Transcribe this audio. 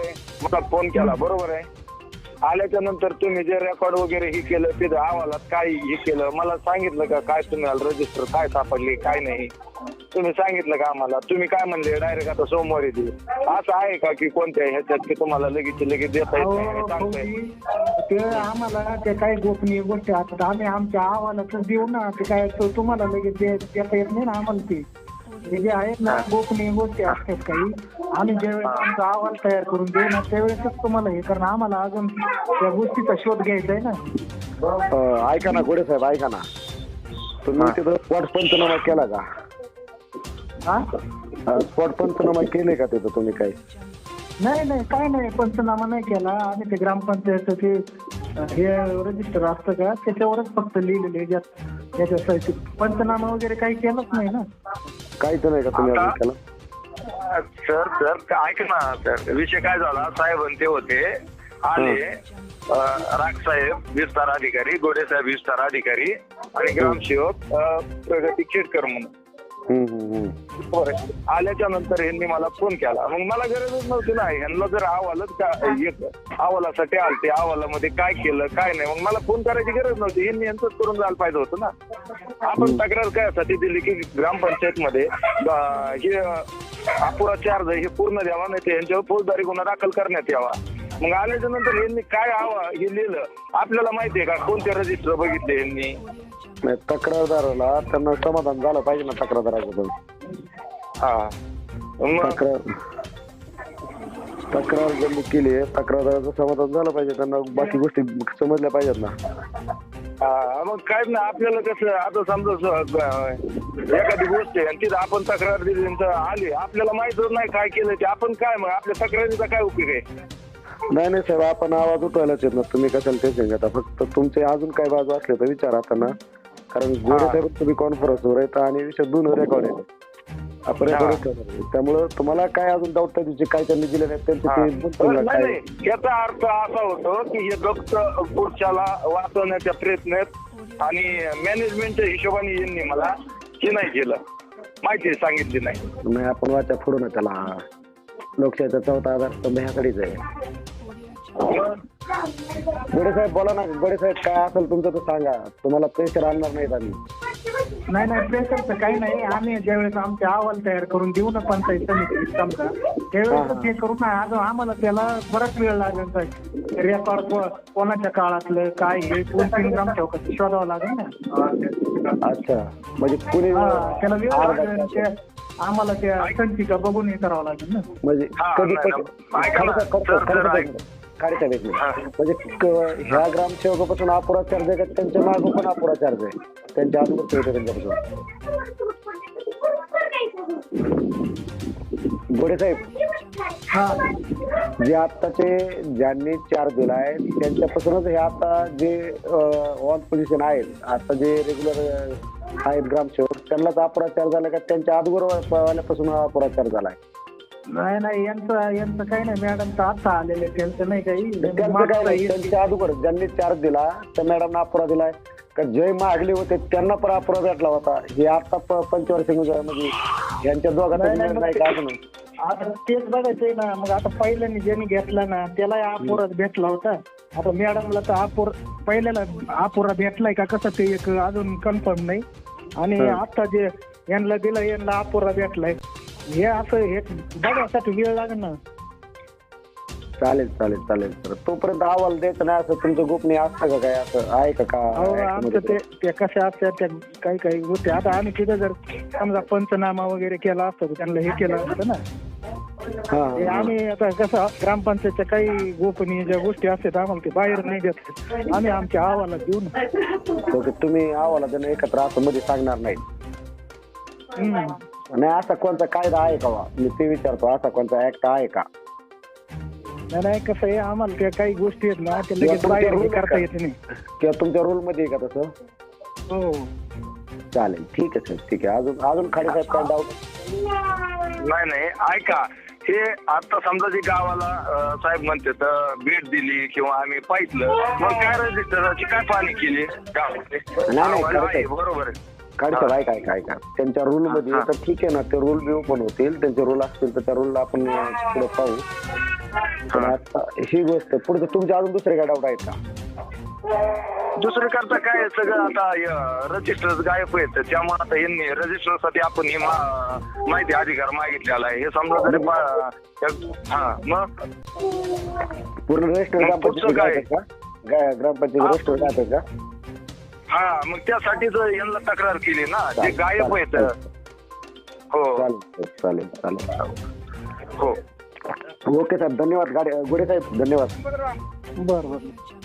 आहे, मला फोन केला, बरोबर आहे. आल्याच्या नंतर तुम्ही जे रेकॉर्ड वगैरे हे केलं, तिथं अहवालात काय हे केलं, मला सांगितलं का काय तुम्हाला रजिस्टर काय सापडले काय नाही, तुम्ही सांगितलं का आम्हाला? तुम्ही काय म्हणले डायरेक्ट आता सोमवारी देऊ, असं आहे का की कोणत्या ह्याच्यात की तुम्हाला लगेच देता येत नाही, सांगता येत? ते आम्हाला ते काही गोपनीय गोष्टी असतात, आम्ही आमच्या अहवालाच देऊ ना, ते काय तुम्हाला लगेच देता येत नाही ना आम्हाला. ते हे जे आहेत ना गोपनीय गोष्टी असतात काही, आम्ही ज्यावेळेस आमचा अहवाल तयार करून देऊ ना त्यावेळेसच तुम्हाला हे, कारण आम्हाला अजून त्या गोष्टीचा शोध घ्यायचा आहे ना. ऐका ना गोडे साहेब, ऐका ना, तुम्ही तिथं स्पॉट पंचनामा केला का? स्पॉट पंचनामा केले का तिथं तुम्ही काही? नाही काय नाही, पंचनामा नाही केला आम्ही. ते ग्रामपंचायतचं ते हे रजिस्टर असतं का त्याच्यावरच फक्त लिहिलेले याच्यासाठी, पंचनामा वगैरे काही केलंच नाही ना. काहीच नाही का तुम्ही अजून केलं? सर ऐक ना सर, विषय काय झाला, साहेब ते होते आले, राजसाहेब विस्तार अधिकारी, गोडे साहेब विस्तार अधिकारी आणि ग्रामसेवक प्रगती खेडकर म्हणून. आल्याच्या नंतर यांनी मला फोन केला, मग मला गरजच नव्हती ना, यांना जर अहवालासाठी आलते, अहवालामध्ये काय केलं काय नाही, मग मला फोन करायची गरज नव्हती, यांनी यांचंच करून जायला पाहिजे होतं ना. आपण तक्रार काय दिली की ग्रामपंचायत मध्ये हे अपुरा चार्ज हे पूर्ण द्यावा, नाही तर यांच्यावर फौजदारी गुन्हा दाखल करण्यात यावा. मग आल्याच्या नंतर यांनी काय हे लिहिलं आपल्याला माहितीये का? कोणते रजिस्टर बघितले यांनी? नाही, तक्रारदाराला त्यांना समाधान झालं पाहिजे ना तक्रारदाराकडून. तक्रार ज्यांनी केली आहे तक्रारदाराचं समाधान झालं पाहिजे, त्यांना बाकी गोष्टी समजल्या पाहिजेत ना. मग काय ना, आपल्याला कसं आता समजा एखादी गोष्ट आहे आणि तिथं आपण तक्रार दिली आली, आपल्याला माहितच नाही काय केलं ते, आपण काय मग आपल्या तक्रारीचा काय उपयोग आहे? नाही साहेब, आपण आवाज उठवायलाच येत ना, तुम्ही कशाला टेन्शन घेता? फक्त तुमचे अजून काय बाजू असले तर विचारा आता ना, कारण गोडे साहेब तुम्ही कॉन्फरन्सवर येतात आणि विषय दोन रेकॉर्ड आहेत आपण त्यामुळं तुम्हाला काय अजून डाऊट त्याची काय त्यांनी दिले नाही त्यांचे. याचा अर्थ असा होतो की हे फक्त पुढच्याला वाचवण्याच्या प्रयत्नात आणि मॅनेजमेंटच्या हिशोबाने यांनी मला हे नाही केलं, माहिती सांगितली नाही. आपण वाचा फोडू ना त्याला, लोकशाहीचा चौथा आधार स्तंभ ह्याकडेच आहे. गोडे साहेब बोला ना, गोडे साहेब काय असेल तुमचं तर सांगा, तुम्हाला प्रेशर आणणार नाहीत आम्ही. नाही प्रेशरचं काही नाही, आम्ही ज्यावेळेस आमचे अहवाल तयार करून देऊ ना पंचायत समिती समजा त्यावेळेस ते करू ना. अजून आम्हाला त्याला बराच वेळ लागेल, रेकॉर्ड कोणाच्या काळातलं काय हे 2-3 ग्रामसेवक शोधावं लागेल ना. अच्छा, म्हणजे कुणी त्याला वेळ लागेल, आम्हाला त्या संचिका बघून हे करावं लागेल ना. म्हणजे कधी म्हणजे ह्या ग्रामसेवकापासून अपुरा चार्ज आहे का त्यांच्या मागं पण अपुरा चार्ज आहे, त्यांच्या अगोदर होते त्यांच्यापासून? गोडे साहेब, जे आत्ताचे ज्यांनी चार्ज दिलाय त्यांच्यापासूनच हे आता जे ऑन पोझिशन आहेत, आता जे रेग्युलर आहेत ग्रामसेवक, त्यांनाच अपुरा चार्ज झाला का त्यांच्या अगोदर वाल्यापासून अपुरा चार्ज झालाय? नाही यांचं काही नाही, मॅडमचं आता आलेले त्यांचं नाही काही. त्यांच्या अगोदर ज्यांनी चार्ज दिला त्या मॅडमना अपुरा दिलाय का? जे मागले होते त्यांना पण अपुरा भेटला होता, हे आता पंचवर्षी म्हणजे यांच्या दोघांना नाही का अजून? आता तेच बघायचंय ना. मग आता पहिल्याने ज्यांनी घेतला ना त्याला अपुराच भेटला होता, आता मॅडमला तर पहिल्याला अपुरा भेटलाय का कसं ते एक अजून कन्फर्म नाही. आणि आता जे यांना दिलं यांना अपुरा भेटलाय, हे असं हे बघायसाठी वेळ लागेल ना. चालेल सर, तोपर्यंत अहवाल द्यायचं नाही असं तुमचं गोपनीय असतं का? काय असं आहे का? आमचं ते कशा असतात त्या काही गोष्टी. आता आम्ही तिथं जर समजा पंचनामा वगैरे केला असतं त्यांना हे केलं असतं ना. आम्ही आता कसं ग्रामपंचायतच्या काही गोपनीय ज्या गोष्टी असतात आम्हाला ते बाहेर नाही देत, आम्ही आमच्या अहवाला देऊ ना. तुम्ही अहवाला देणं एकत्र असं मध्ये सांगणार नाही? नाही, असा कोणता कायदा आहे का? मी ते विचारतो, असा कोणता ऍक्ट आहे का? नाही कसं आहे, आम्हाला त्या काही गोष्टी आहेत ना ते लगेच बाहेर करता येत नाही. किंवा तुमच्या रूल मध्ये आहे का तसं? हो चालेल, ठीक आहे सर, ठीक आहे. अजून खाडे साहेब काय डाऊट? नाही ऐका, हे आता समजा जे गावाला साहेब म्हणते तर भेट दिली किंवा आम्ही पाहिलं, मग काय रजिस्टरची काय पाहणी केली गावामध्ये? नाही बरोबर आहे. काढतात काय त्यांच्या रूल मध्ये तर ठीक आहे ना, ते रूल बी ओपन होतील, त्यांचे रूल असतील तर त्या रूलला आपण पुढे पाहू. पण आता ही गोष्ट पुढे तुमचे अजून दुसरे काय डाऊट आहेत का? दुसरं करता काय सगळं आता रजिस्टर गायब आहेत, त्यामुळे आता यांनी रजिस्टर साठी आपण ही माहिती अधिकार मागितलेला आहे. हे समजा जरी मग पूर्ण रजिस्टर ग्रामपंचायत ग्रामपंचायत रजिस्टर जातात का? हा, मग त्यासाठीच यांना तक्रार केली ना, जे गायब आहेत. हो चालेल. हो ओके साहेब, धन्यवाद. गोडे साहेब धन्यवाद. बरं.